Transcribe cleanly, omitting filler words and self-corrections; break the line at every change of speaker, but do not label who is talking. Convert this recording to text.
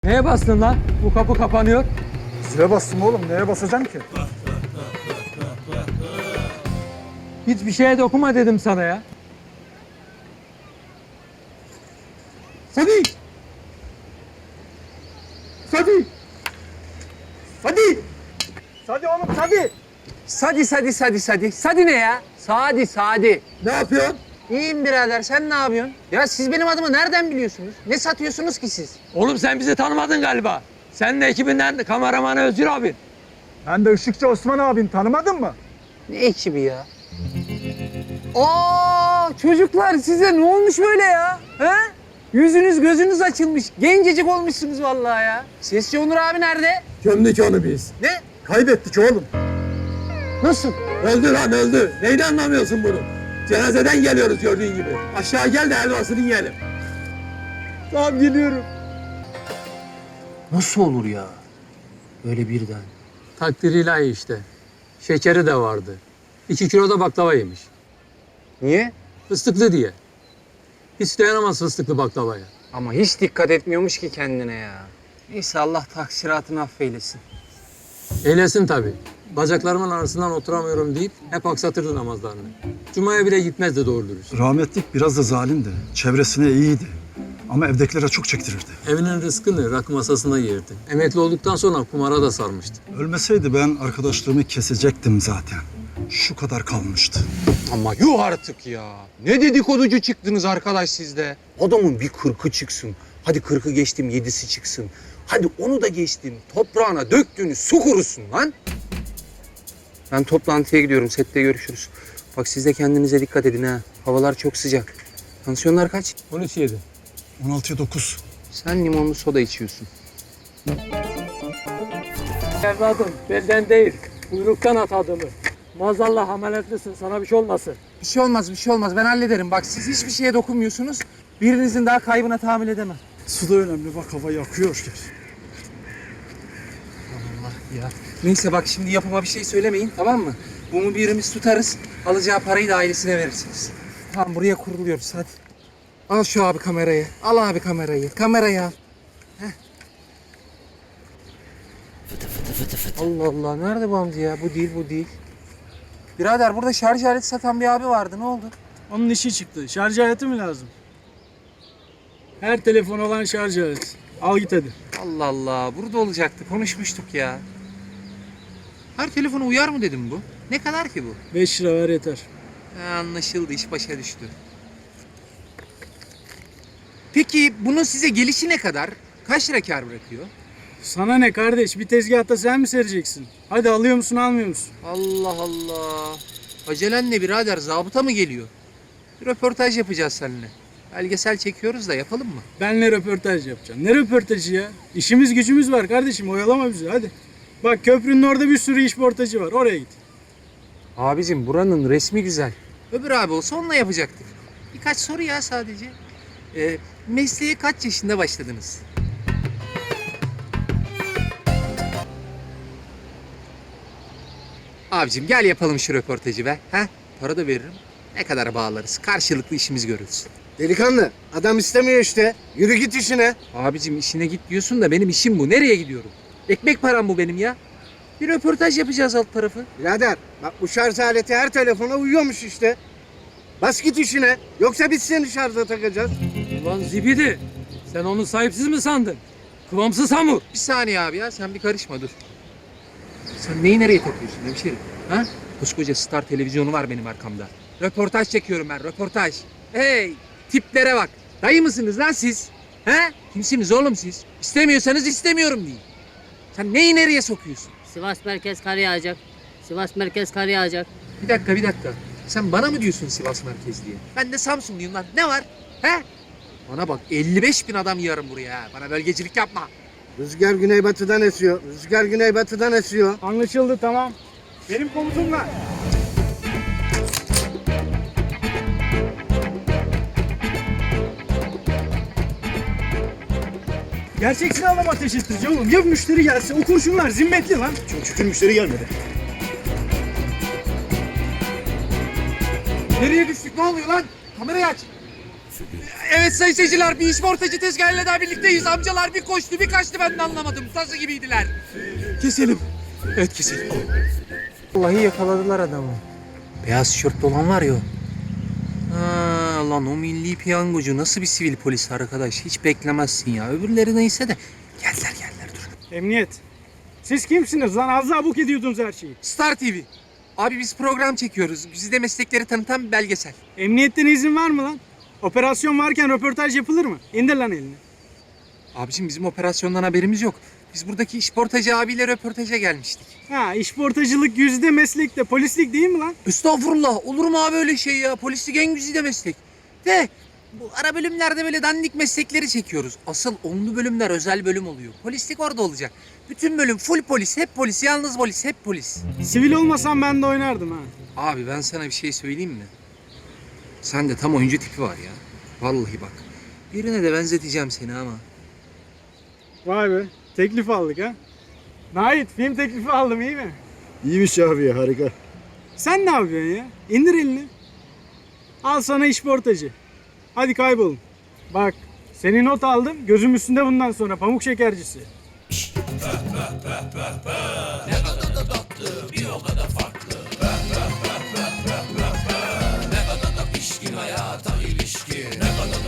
Neye bastın lan? Bu kapı kapanıyor.
Zile bastım oğlum. Neye basacağım ki?
Hiçbir şeye dokunma dedim sana ya.
Sadi! Sadi! Sadi! Sadi oğlum Sadi!
Sadi ne ya? Sadi.
Ne yapıyorsun?
İyiyim birader, sen ne yapıyorsun? Ya siz benim adımı nereden biliyorsunuz? Ne satıyorsunuz ki siz?
Oğlum sen bizi tanımadın galiba. Sen de ekibinden kameramanı Özgür abi.
Ben de Işıkçı Osman abin tanımadın mı?
Ne ekibi ya? Aa, çocuklar size ne olmuş böyle ya? He? Yüzünüz gözünüz açılmış. Gencecik olmuşsunuz vallahi ya. Sesçi Onur abi nerede?
Gömdük onu biz.
Ne?
Kaybettik oğlum.
Nasıl?
Öldü lan öldü. Neyini anlamıyorsun bunu? Cenazeden geliyoruz gördüğün gibi. Aşağı gel de helvasını yiyelim. Tamam geliyorum.
Nasıl olur ya? Böyle birden.
Takdiri ilahi işte. Şekeri de vardı. 2 kilo da baklava yemiş.
Niye?
Fıstıklı diye. Hiç dayanamaz fıstıklı baklavaya.
Ama hiç dikkat etmiyormuş ki kendine ya. Neyse Allah taksiratını affeylesin.
Eylesin tabii. Bacaklarımın arasından oturamıyorum deyip hep aksatırdı namazlarını. Cuma'ya bile gitmezdi doğru dürüst.
Rahmetlik biraz da zalimdi. Çevresine iyiydi. Ama evdekilere çok çektirirdi.
Evinin rızkını rakı masasına yerdi. Emekli olduktan sonra kumara da sarmıştı.
Ölmeseydi ben arkadaşlığımı kesecektim zaten. Şu kadar kalmıştı.
Ama yuh artık ya. Ne dedikoducu çıktınız arkadaş sizde. Adamın bir 40'ı çıksın. Hadi 40'ı geçtim 7'si çıksın. Hadi onu da geçtim. Toprağına döktüğünü su kurusun lan. Ben toplantıya gidiyorum. Sette görüşürüz. Bak siz de kendinize dikkat edin ha. Havalar çok sıcak. Tansiyonlar kaç?
13-7.
16'ya 9.
Sen limonlu soda içiyorsun.
Evladım belden değil, kuyruktan at adımı. Maazallah ameliyatlisin, sana bir şey olmasın.
Bir şey olmaz. Ben hallederim. Bak siz hiçbir şeye dokunmuyorsunuz. Birinizin daha kaybına tahammül edemem.
Su da önemli. Bak hava yakıyor.
Ya. Neyse bak şimdi yapıma bir şey söylemeyin tamam mı? Bunu birimiz tutarız. Alacağı parayı da ailesine verirsiniz. Tamam buraya kuruluyoruz hadi. Al şu abi kamerayı. Al abi kamerayı. Kamerayı al. Heh. Allah Allah nerede bu amca ya? Bu değil. Birader burada şarj aleti satan bir abi vardı. Ne oldu?
Onun işi çıktı. Şarj aleti mi lazım? Her telefon olan şarj aleti. Al git hadi.
Allah Allah. Burada olacaktı. Konuşmuştuk ya. Her telefona uyar mı dedim bu? Ne kadar ki bu?
5 lira ver yeter.
Anlaşıldı. İş başa düştü. Peki bunun size gelişi ne kadar? Kaç lira kâr bırakıyor?
Sana ne kardeş? Bir tezgahta sen mi sereceksin? Hadi alıyor musun almıyor musun?
Allah Allah. Acelen ne birader? Zabıta mı geliyor? Bir röportaj yapacağız seninle. Belgesel çekiyoruz da yapalım mı?
Benle röportaj yapacağım. Ne röportajı ya? İşimiz gücümüz var kardeşim. Oyalama bizi hadi. Bak köprünün orada bir sürü işportacı var. Oraya git.
Abicim buranın resmi güzel. Öbür abi olsa onunla yapacaktık. Birkaç soru ya sadece. Mesleğe kaç yaşında başladınız? Abicim gel yapalım şu röportajı be. Ha? Para da veririm. Ne kadar bağlarız. Karşılıklı işimiz görülsün.
Delikanlı, adam istemiyor işte. Yürü git işine.
Abicim işine git diyorsun da benim işim bu. Nereye gidiyorum? Ekmek param bu benim ya. Bir röportaj yapacağız alt tarafı.
Birader, bak bu şarj aleti her telefona uyuyormuş işte. Bas git işine. Yoksa biz seni şarja takacağız.
Ulan zibidi, sen onu sahipsiz mi sandın? Kıvamsız hamur.
Bir saniye abi ya sen bir karışma dur. Sen neyi nereye takıyorsun hemşerim? Ha? Koskoca Star televizyonu var benim arkamda. Röportaj çekiyorum ben röportaj. Hey tiplere bak. Dayı mısınız lan siz? He? Kimsiniz oğlum siz? İstemiyorsanız istemiyorum deyin. Sen neyi nereye sokuyorsun?
Sivas merkez kar yağacak. Sivas merkez kar yağacak.
Bir dakika. Sen bana mı diyorsun Sivas merkez diye? Ben de Samsunluyum lan. Ne var? He? Bana bak 55 bin adam yığarım buraya ha. Bana bölgecilik yapma.
Rüzgar güneybatıdan esiyor. Rüzgar güneybatıdan esiyor.
Anlaşıldı tamam. Benim komutumla. Gerçek silahla mı ateş ettirici oğlum? Ya müşteri gelse o kurşunlar zimmetli lan.
Çok şükür müşteri gelmedi.
Nereye düştük ne oluyor lan? Kamerayı aç. Evet sayın seyirciler, bir işportacı tezgahıyla daha birlikteyiz. Amcalar bir koştu bir kaçtı, ben de anlamadım. Tazı gibiydiler.
Keselim.
Evet kesin.
Vallahi yakaladılar adamı.
Beyaz tişörtlü olan var ya o. Ha, lan o milli piyangocu nasıl bir sivil polis arkadaş, hiç beklemezsin ya. Öbürleri neyse de geldiler dur.
Emniyet. Siz kimsiniz lan? Az daha buk ediyordunuz her şeyi.
Star TV. Abi biz program çekiyoruz. Bizi de meslekleri tanıtan bir belgesel.
Emniyetten izin var mı lan? Operasyon varken röportaj yapılır mı? İndir lan elini.
Abiciğim bizim operasyondan haberimiz yok. Biz buradaki işportacı abiyle röportaja gelmiştik.
Ha, işportacılık yüzde meslekte, polislik değil mi lan?
Estağfurullah, olur mu abi öyle şey ya? Polislik en güzide meslek. De bu ara bölümlerde böyle dandik meslekleri çekiyoruz. Asıl onlu bölümler özel bölüm oluyor. Polislik orada olacak. Bütün bölüm full polis, hep polis, yalnız polis, hep polis.
Sivil olmasam ben de oynardım ha.
Abi ben sana bir şey söyleyeyim mi? Sende tam oyuncu tipi var ya. Vallahi bak. Birine de benzeteceğim seni ama.
Vay be, teklif aldık ha. Nait, film teklifi aldım, iyi mi?
İyiymiş abi ya, harika.
Sen ne yapıyorsun ya? İndir elini. Al sana işportacı. Hadi kaybolun. Bak, seni not aldım. Gözüm üstünde bundan sonra, pamuk şekercisi.